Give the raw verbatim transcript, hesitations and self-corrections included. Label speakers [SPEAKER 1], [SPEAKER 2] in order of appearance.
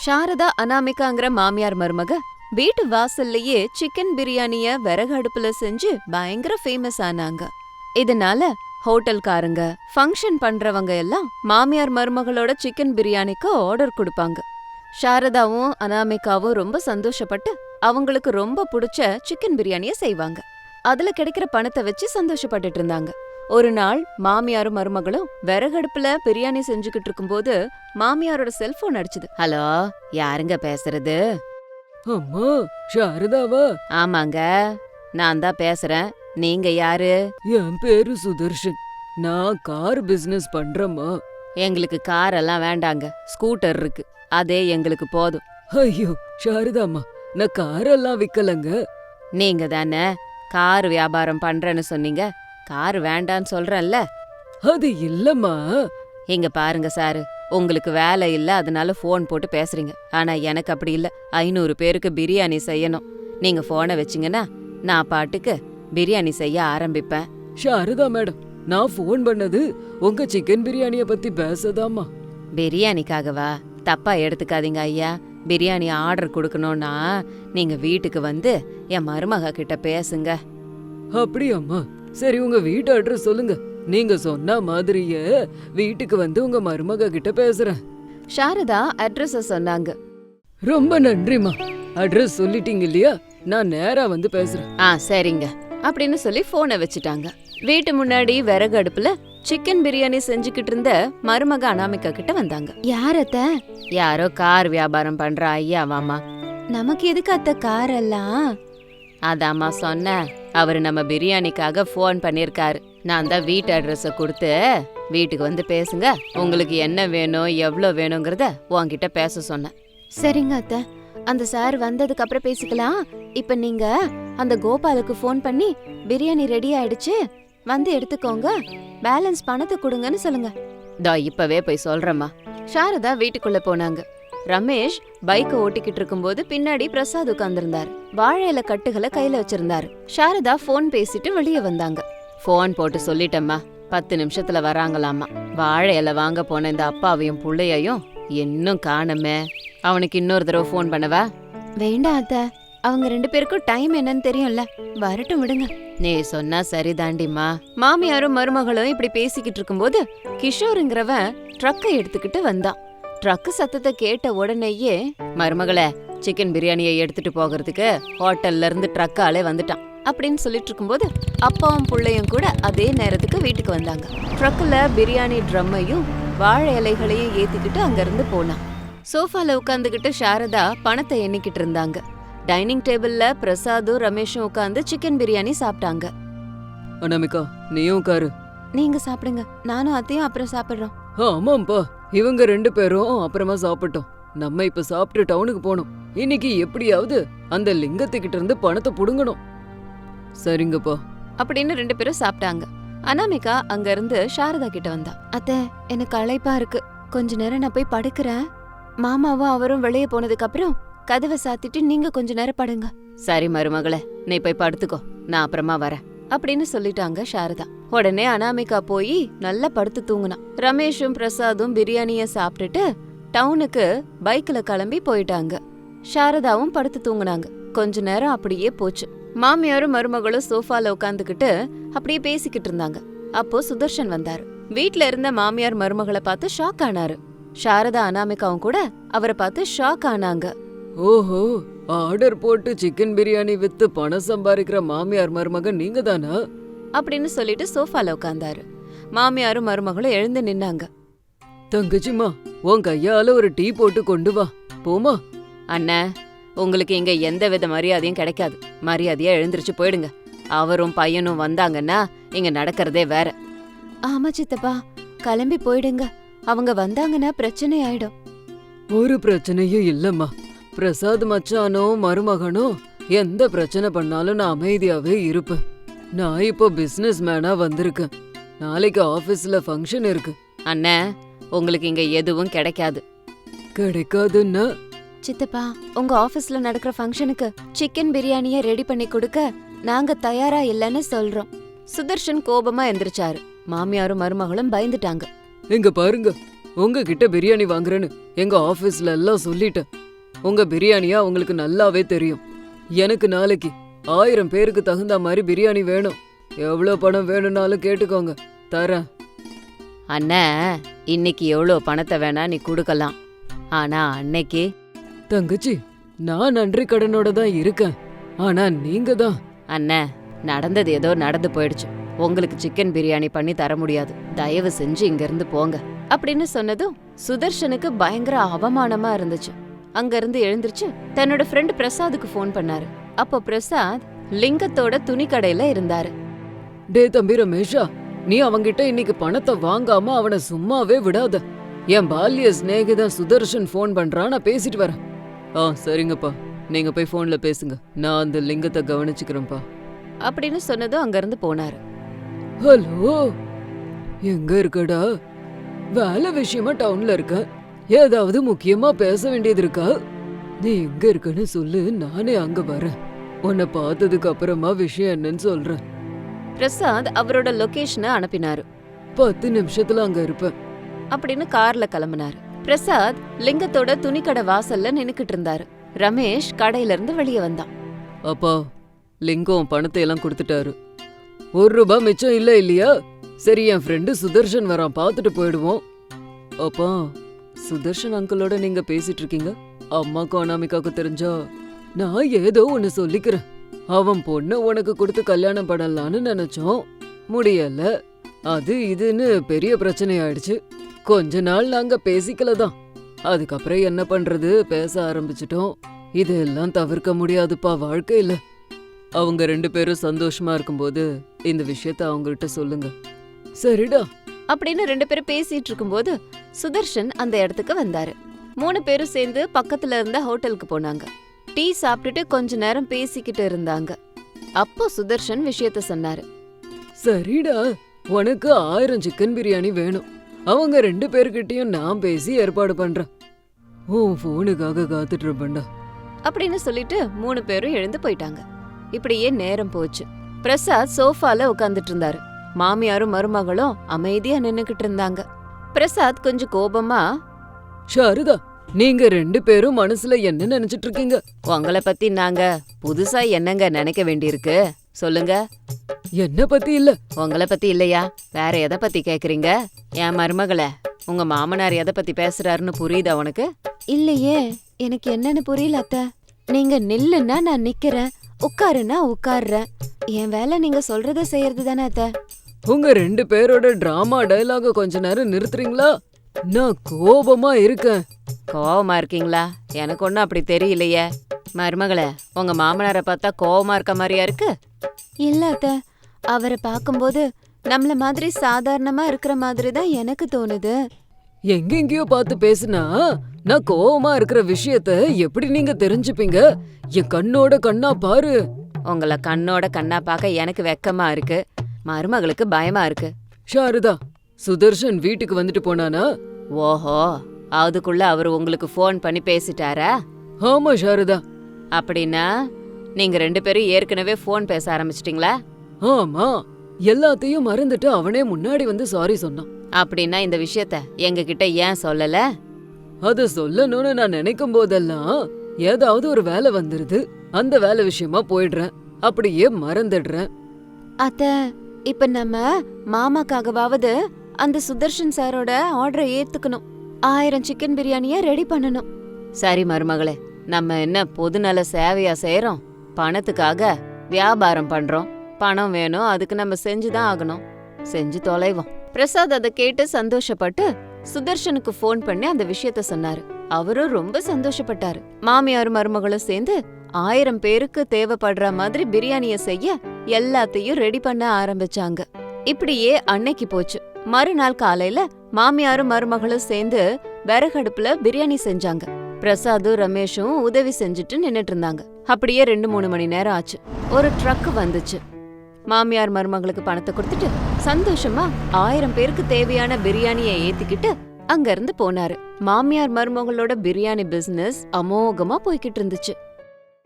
[SPEAKER 1] சாரதா அனாமிகாங்கிற மாமியார் மருமக வீட்டு வாசல்லையே சிக்கன் பிரியாணிய விறகு அடுப்புல செஞ்சு பயங்கர ஃபேமஸ் ஆனாங்க. இதனால ஹோட்டல்காரங்க, ஃபங்க்ஷன் பண்றவங்க எல்லாம் மாமியார் மருமகளோட சிக்கன் பிரியாணிக்கு ஆர்டர் கொடுப்பாங்க. சாரதாவும் அனாமிகாவும் ரொம்ப சந்தோஷப்பட்டு அவங்களுக்கு ரொம்ப பிடிச்ச சிக்கன் பிரியாணிய செய்வாங்க. அதுல கிடைக்கிற பணத்தை வச்சு சந்தோஷப்பட்டுட்டு இருந்தாங்க. ஒரு நாள் மாமியாரும் மருமகளும் விறகடுப்புல பிரியாணி செஞ்சுக்கிட்டு இருக்கும்போது மாமியாரோட செல்போன் அடிச்சுது. ஹலோ, யாருங்க பேசுறது?
[SPEAKER 2] அம்மா, சாரதாவா?
[SPEAKER 1] ஆமாங்க, நான் தான் பேசுறேன். நீங்க யாரு?
[SPEAKER 2] என் பேரு சுதர்ஷன். நான் கார் பிசினஸ் பண்றேம்மா.
[SPEAKER 1] எங்களுக்கு கார் எல்லாம் வேண்டாங்க, ஸ்கூட்டர் இருக்கு, அதே எங்களுக்கு போதும்.
[SPEAKER 2] ஐயோ சாரதாம்மா, நான் காரெல்லாம் விக்கலங்க.
[SPEAKER 1] நீங்க தானே கார் வியாபாரம் பண்றேன்னு சொன்னீங்க. கார் வேண்டான்னு சொல்றேன்ல.
[SPEAKER 2] அது இல்லம்மா.
[SPEAKER 1] இங்க பாருங்க சாரு, உங்களுக்கு வேலை இல்ல, அதனால போன் போட்டு பேசுறீங்க. ஆனா எனக்கு அப்படி இல்ல. ஐநூறு பேருக்கு பிரியாணி செய்யணும். நீங்க போனை வச்சீங்கன்னா நான் பாட்டுக்கு பிரியாணி செய்ய ஆரம்பிப்பேன்.
[SPEAKER 2] சாரதா மேடம், நான் போன் பண்ணது உங்க சிக்கன் பிரியாணிய பத்தி பேசதாமா.
[SPEAKER 1] பிரியாணிக்காகவா? தப்பா எடுத்துக்காதீங்க ஐயா. பிரியாணி ஆர்டர் கொடுக்கணும்னா நீங்க வீட்டுக்கு வந்து என் மருமக கிட்ட பேசுங்க.
[SPEAKER 2] அப்படியாம்மா? சரி, உங்க வீட்டு அட்ரஸ் சொல்லுங்க. நீங்க சொன்ன மாதிரியே வீட்டுக்கு வந்து உங்க மருமக கிட்ட பேசுறேன்.
[SPEAKER 1] சாரதா அட்ரஸ் சொன்னாங்க.
[SPEAKER 2] ரொம்ப நன்றிமா. அட்ரஸ் சொல்லிட்டீங்க இல்லையா, நான் நேரா வந்து பேசுறேன்.
[SPEAKER 1] ஆ சரிங்க அப்படின்னு சொல்லி போனை வச்சுட்டாங்க. வீட்டு முன்னாடி விறகு அடுப்புல சிக்கன் பிரியாணி செஞ்சுக்கிட்டு இருந்த மருமக அனாமிகா கிட்ட வந்தாங்க. யாரத்த? யாரோ கார் வியாபாரம் பண்ற ஐயாவாமா. நமக்கு எதுக்கு அத்த கார் எல்லாம்? அதாம்மா சொன்ன, அவரு நம்ம பிரியாணிக்காக போன் பண்ணிருக்காரு. நான் தான் வீட்டு அட்ரஸ கொடுத்து வீட்டுக்கு வந்து பேசுங்க, உங்களுக்கு என்ன வேணும் எவ்வளோ வேணுங்கிறத உன்கிட்ட பேச சொன்னேன். சரிங்க அத்த, அந்த சார் வந்ததுக்கு அப்புறம் பேசிக்கலாம். இப்ப நீங்க அந்த கோபாலுக்கு போன் பண்ணி பிரியாணி ரெடி ஆயிடுச்சு, வந்து எடுத்துக்கோங்க, பேலன்ஸ் பணத்தை கொடுங்கன்னு சொல்லுங்க. தா இப்பவே போய் சொல்றேம்மா. சாரதா வீட்டுக்குள்ள போனாங்க. ரமேஷ் பைக்க ஓட்டிக்கிட்டு இருக்கும்போது பின்னாடி பிரசாத் உட்கார்ந்திருந்தாரு. வாழை இலை கட்டுகளை கையில வச்சிருந்தாரு. சாரதா போன் பேசிட்டு வெளியே வந்தாங்க. போன் போட்டு சொல்லிட்டம்மா, பத்து நிமிஷத்துல வராங்களாமா. வாழை இலை வாங்க போன இந்த அப்பாவையும் புள்ளையையும் இன்னும் காணுமே. அவனுக்கு இன்னொரு தடவை போன் பண்ணவா? வேண்டாம் அத்த, அவங்க ரெண்டு பேருக்கும் டைம் என்னன்னு தெரியும்ல, வரட்டும் விடுங்க. நீ சொன்னா சரிதாண்டிம்மா. மாமியாரும் மருமகளும் இப்படி பேசிக்கிட்டு இருக்கும்போது கிஷோருங்கிறவன் ட்ரக்கை எடுத்துக்கிட்டு வந்தான். ட்ரக்கு சத்தத்தை கேட்ட உடனேயே, மருமகளே, சிக்கன் பிரியாணியை எடுத்துட்டு போகிறதுக்கு ஹோட்டல்ல இருந்து ட்ரக்காலே வந்துட்டான் அப்படின்னு சொல்லிட்டு இருக்கும்போது அப்பாவும் புள்ளையும் கூட அதே நேரத்துக்கு வீட்டுக்கு வந்தாங்க. ட்ரக்குல பிரியாணி ட்ரம்மையும் வாழை இலைகளையும் ஏத்திக்கிட்டு அங்க இருந்து போனான். சோஃபால உட்காந்துக்கிட்டு சாரதா பணத்தை எண்ணிக்கிட்டு இருந்தாங்க. டைனிங் டேபிள்ல பிரசாதும் ரமேஷும் உட்காந்து சிக்கன் பிரியாணி சாப்பிட்டாங்க.
[SPEAKER 2] அனாமிகா, நீயும் உட்காரு.
[SPEAKER 1] நீங்க சாப்பிடுங்க, நானும் அத்தையும் அப்புறம் சாப்பிடுறோம்.
[SPEAKER 2] ஆமாம்பா, இவங்க ரெண்டு பேரும் அப்புறமா சாப்பிட்டோம். நம்ம இப்ப சாப்பிட்டு டவுனுக்கு போனோம். இன்னைக்கு எப்படியாவது அந்த லிங்கத்துக்கிட்ட இருந்து பணத்தை புடுங்கணும். சரிங்கப்பா
[SPEAKER 1] அப்படின்னு ரெண்டு பேரும் சாப்பிட்டாங்க. அனாமிகா அங்க இருந்து சாரதா கிட்ட வந்தா. அத்தை, எனக்கு அழைப்பா இருக்கு, கொஞ்ச நேரம் நான் போய் படுக்கிறேன். மாமாவும் அவரும் வெளியே போனதுக்கு அப்புறம் கதவை சாத்திட்டு நீங்க கொஞ்ச நேரம் படுங்க. சரி மருமகளே, நீ போய் படுத்துக்கோ, நான் அப்புறமா வரேன் அப்படின்னு சொல்லிட்டாங்க சாரதா. உடனே அனாமிகா போய் நல்லா படுத்து தூங்குனா. ரமேஷும் பிரசாதும் பிரியாணிய சாப்பிட்டுட்டு டவுனுக்கு பைக்ல கிளம்பி போயிட்டாங்க. சாரதாவும் படுத்து தூங்குனாங்க. கொஞ்ச நேரம் அப்படியே போச்சு. மாமியாரும் மருமகளும் சோஃபால உட்காந்துக்கிட்டு அப்படியே பேசிக்கிட்டு இருந்தாங்க. அப்போ சுதர்ஷன் வந்தாரு. வீட்ல இருந்த மாமியார் மருமகளை பார்த்து ஷாக் ஆனாரு. சாரதா அனாமிகாவும் கூட அவரை பார்த்து ஷாக் ஆனாங்க.
[SPEAKER 2] ஓஹோ, ஆர்டர் போட்டு சிக்கன் பிரியாணி வித்து பணம் சம்பாதிக்கிற மாமியார் மருமகன் நீங்க தானா
[SPEAKER 1] அப்படின்னு சொல்லிட்டு சோஃபால உட்கார்ந்தாரு. மாமியாரும் மருமகளும் எழுந்து நின்னாங்க.
[SPEAKER 2] தங்கச்சிமா, உன் கையால ஒரு டீ போட்டு கொண்டு வா போமா.
[SPEAKER 1] அண்ணா, உங்களுக்கு இங்க எந்த வித மரியாதையும் கிடைக்காது. மரியாதையா எழுந்திருச்சு போயிடுங்க. அவரும் பையனும் வந்தாங்கன்னா இங்க நடக்கிறதே வேற. ஆமா சித்தப்பா, கிளம்பி போயிடுங்க. அவங்க வந்தாங்கன்னா பிரச்சனை ஆயிடும்.
[SPEAKER 2] ஒரு பிரச்சனையும் இல்லம்மா. பிரசாத் மச்சானும் மருமகனும் எந்த பிரச்சனை பண்ணாலும் நான் அமைதியாவே இருப்பேன். நான் இப்போ பிசினஸ் மேனா வந்திருக்கேன். நாளைக்கு ஆபீஸ்ல ஃபங்க்ஷன் இருக்கு.
[SPEAKER 1] அண்ணா, உங்களுக்கு இங்க எதுவும் கிடைக்காது.
[SPEAKER 2] கிடைக்காதுன்னா?
[SPEAKER 1] சித்தப்பா, உங்க ஆபீஸ்ல நடக்கிற ஃபங்க்ஷனுக்கு சிக்கன் பிரியாணிய ரெடி பண்ணி கொடுக்க நாங்க தயாரா இல்லன்னு சொல்றோம். சுதர்ஷன் கோபமா எந்திரிச்சாரு. மாமியாரும் மருமகளும் பயந்துட்டாங்க.
[SPEAKER 2] இங்க பாருங்க, உங்ககிட்ட பிரியாணி வாங்குறேன்னு எங்க ஆபீஸ்ல எல்லாம் சொல்லிட்டேன். உங்க பிரியாணியா உங்களுக்கு நல்லாவே தெரியும். எனக்கு நாளைக்கு ஆயிரம் பேருக்கு தகுந்த மாதிரி பிரியாணி வேணும். எவ்வளவு பணம் வேணும்னாலும் கேட்டுக்கோங்க, தரேன்.
[SPEAKER 1] அண்ணே, இன்னைக்கு எவ்வளோ பணத்தை வேணா நீ கொடுக்கலாம். ஆனா அன்னைக்கு
[SPEAKER 2] தங்கச்சி, நான் நன்றி கடனோட தான் இருக்கேன். ஆனா நீங்க தான்.
[SPEAKER 1] அண்ணே, நடந்தது ஏதோ நடந்து போயிடுச்சு. உங்களுக்கு சிக்கன் பிரியாணி பண்ணி தர முடியாது. தயவு செஞ்சு இங்க இருந்து போங்க அப்படின்னு சொன்னதும் சுதர்ஷனுக்கு பயங்கர அவமானமா இருந்துச்சு. அங்க இருந்து எழுந்திருச்சு தன்னோட ஃப்ரெண்ட் பிரசாதுக்கு ஃபோன் பண்ணாரு. அப்போ பிரசாத் லிங்கத்தோட துணி கடையில இருந்தாரு.
[SPEAKER 2] டே தம்பி ரமேஷா, நீ அவங்கிட்ட இன்னைக்கு பணத்தை வாங்காம அவனை சும்மாவே விடாத. என் பால்ய சிநேகிதன் சுதர்ஷன் ஃபோன் பண்றான், நான் பேசிட்டு வரேன். ஆ சரிங்கப்பா, நீங்க போய் ஃபோன்ல பேசுங்க, நான் அந்த லிங்கத்தை கவனிச்சுக்கிறேன்ப்பா
[SPEAKER 1] அப்படின்னு சொன்னதும் அங்க இருந்து போனாரு.
[SPEAKER 2] ஹலோ, எங்க இருக்கடா? வேலை விஷயமா டவுன்ல இருக்க. ஏதாவது முக்கியமா பேச வேண்டியது இருக்கா? நீ எங்க இருக்கன்னு சொல்லு, நானே அங்க வரேன். உன்னை பார்த்ததுக்கு அப்புறமா விஷயம் என்னன்னு சொல்றேன்.
[SPEAKER 1] பிரசாத் அவரோட லொகேஷனை அனுப்பினாரு.
[SPEAKER 2] பத்து நிமிஷத்துல அங்க இருப்பேன்
[SPEAKER 1] அப்படின்னு கார்ல கிளம்பினாரு. பிரசாத் லிங்கத்தோட துணிக்கடை வாசல்ல நின்னுக்கிட்டு இருந்தாரு. ரமேஷ் கடையில இருந்து வெளியே வந்தான்.
[SPEAKER 2] அப்பா, லிங்கம் பணத்தை எல்லாம் கொடுத்துட்டாரு. ஒரு ரூபாய் மிச்சம் இல்ல இல்லையா? சரி, என் ஃப்ரெண்டு சுதர்ஷன் வரான், பார்த்துட்டு போயிடுவோம். அப்பா, சுதர்ஷன் அங்கிளோட நீங்க பேசிட்டு இருக்கீங்க. அம்மாக்கும் அனாமிகாவுக்கு தெரிஞ்சா நான் ஏதோ ஒன்னு சொல்லிக்கிறேன். அவன் பொண்ண உனக்கு கொடுத்து கல்யாணம் பண்ணலான்னு நினைச்சோம், முடியல. அது இதுன்னு பெரிய பிரச்சனை ஆயிடுச்சு. கொஞ்ச நாள் நாங்க பேசிக்கலதான். அதுக்கப்புறம் என்ன பண்றது, பேச ஆரம்பிச்சிட்டோம். இதெல்லாம் தவிர்க்க முடியாதுப்பா வாழ்க்கையில. அவங்க ரெண்டு பேரும் சந்தோஷமா இருக்கும்போது இந்த விஷயத்த அவங்ககிட்ட சொல்லுங்க, சரிடா?
[SPEAKER 1] அப்படின்னு ரெண்டு பேரும் பேசிட்டு இருக்கும்போது சுதர்ஷன் அந்த இடத்துக்கு வந்தாரு. மூணு பேரும் சேர்ந்து பக்கத்துல இருந்த ஹோட்டலுக்கு போனாங்க. டீ சாப்பிட்டுட்டு கொஞ்ச நேரம் பேசிக்கிட்டு இருந்தாங்க. அப்போ சுதர்ஷன் விஷயத்த சொன்னாரு.
[SPEAKER 2] சரிடா, உனக்கு ஆயிரம் சிக்கன் பிரியாணி வேணும். அவங்க ரெண்டு பேர்கிட்டயும் நான் பேசி ஏற்பாடு பண்றேன். உன் போனுக்காக காத்துட்டு இருப்பேன்டா
[SPEAKER 1] அப்படின்னு சொல்லிட்டு மூணு பேரும் எழுந்து போயிட்டாங்க. இப்படியே நேரம் போச்சு. பிரசாத் சோஃபால உட்கார்ந்துட்டு இருந்தாரு. மாமியாரும் மருமகளும் அமைதியா நின்னுகிட்டு இருந்தாங்க. பிரசாத் கொஞ்சம் கோபமா,
[SPEAKER 2] ஷாரதா, நீங்க ரெண்டு பேரும் மனசுல என்ன நினைச்சிட்டு இருக்கீங்க?
[SPEAKER 1] உங்களை பத்தி நாங்க புதுசா என்னங்க நினைக்க வேண்டியிருக்கு சொல்லுங்க.
[SPEAKER 2] என்ன பத்தி இல்ல.
[SPEAKER 1] உங்களை பத்தி இல்லையா? வேற எதை பத்தி கேக்குறீங்க? என் மருமகளே, உங்க மாமனார் எதை பத்தி பேசுறாருன்னு புரியுதா உனக்கு? இல்லையே, எனக்கு என்னன்னு புரியல அத்தை. நீங்க நில்லுன்னா நான் நிக்கிறேன், உட்காருன்னா உட்கார்றேன். என் வேலை நீங்க சொல்றத செய்யறது தானே அத்தை.
[SPEAKER 2] உங்க ரெண்டு பேரோட டிராமா டயலாக கொஞ்ச நேரம் நிறுத்துறீங்களா? நான் கோபமா இருக்கேன்.
[SPEAKER 1] கோவமா இருக்கீங்களா? எனக்கு ஒன்னும் அப்படி தெரியலையே. மருமகளே, உங்க மாமனாரை பார்த்தா கோவமா இருக்க மாதிரியா இருக்கு? இல்ல அத்தை, அவரை பார்க்கும்போது நம்மள மாதிரி சாதாரணமா இருக்கிற மாதிரி தான் எனக்கு தோணுது.
[SPEAKER 2] எங்கெங்கயோ பார்த்து பேசுனா நான் கோவமா இருக்கிற விஷயத்த எப்படி நீங்க தெரிஞ்சுப்பீங்க? என் கண்ணோட கண்ணா பாரு.
[SPEAKER 1] உங்களை கண்ணோட கண்ணா பார்க்க எனக்கு வெக்கமா இருக்கு, மருமகளுக்கு பயமா இருக்கு.
[SPEAKER 2] ஷாரதா, சுதர்ஷன் வீட்டுக்கு வந்துட்டு போனானா?
[SPEAKER 1] ஓஹோ, அதுக்குள்ள அவர் உங்களுக்கு ஃபோன் பண்ணி பேசிட்டாரா?
[SPEAKER 2] ஆமா ஷாரதா.
[SPEAKER 1] அப்படின்னா நீங்க ரெண்டு பேரும் ஏற்கனவே ஃபோன் பேச ஆரம்பிச்சிட்டீங்களா?
[SPEAKER 2] ஆமா, எல்லாத்தையும் மறந்துட்டு அவனே முன்னாடி வந்து சாரி சொன்னான்.
[SPEAKER 1] அப்படின்னா இந்த விஷயத்த எங்க கிட்ட ஏன் சொல்லல?
[SPEAKER 2] அத சொல்லணும்னு நான் நினைக்கும் போதெல்லாம் ஏதாவது ஒரு வேலை வந்துருது. அந்த வேலை விஷயமா போயிடுறேன், அப்படியே மறந்துடுறேன்.
[SPEAKER 1] அத்த, இப்ப நம்ம மாமாக்காகவாவது அந்த சுதர்ஷன் சாரோட ஆர்டரை ஏத்துக்கணும். ஆயிரம் சிக்கன் பிரியாணிய ரெடி பண்ணணும். சரி மருமகளே, நம்ம என்ன பொதுநல சேவையா செய்யறோம்? பணத்துக்காக வியாபாரம் பண்றோம். பணம் வேணும், அதுக்கு நம்ம செஞ்சுதான் ஆகணும். செஞ்சு தொலைவோம். பிரசாத் அதை கேட்டு சந்தோஷப்பட்டு சுதர்ஷனுக்கு ஃபோன் பண்ணி அந்த விஷயத்த சொன்னாரு. அவரும் ரொம்ப சந்தோஷப்பட்டாரு. மாமியாரும் மருமகளும் சேர்ந்து ஆயிரம் பேருக்கு தேவைப்படுற மாதிரி பிரியாணிய செய்ய எல்லாத்தையும் ரெடி பண்ண ஆரம்பிச்சாங்க. இப்படியே அன்னைக்கு போச்சு. மறுநாள் காலையில மாமியாரும் மருமகளும் சேர்ந்து விறகடுப்புல பிரியாணி செஞ்சாங்க. பிரசாதும் ரமேஷும் உதவி செஞ்சுட்டு நின்னுட்டு இருந்தாங்க. அப்படியே ரெண்டு மூணு மணி நேரம் ஆச்சு. ஒரு ட்ரக் வந்துச்சு. மாமியார் மருமகளுக்கு பணத்தை கொடுத்துட்டு சந்தோஷமா ஆயிரம் பேருக்கு தேவையான பிரியாணியை ஏத்திக்கிட்டு அங்க இருந்து போனாரு. மாமியார் மருமகளோட பிரியாணி பிசினஸ் அமோகமா போய்கிட்டு இருந்துச்சு.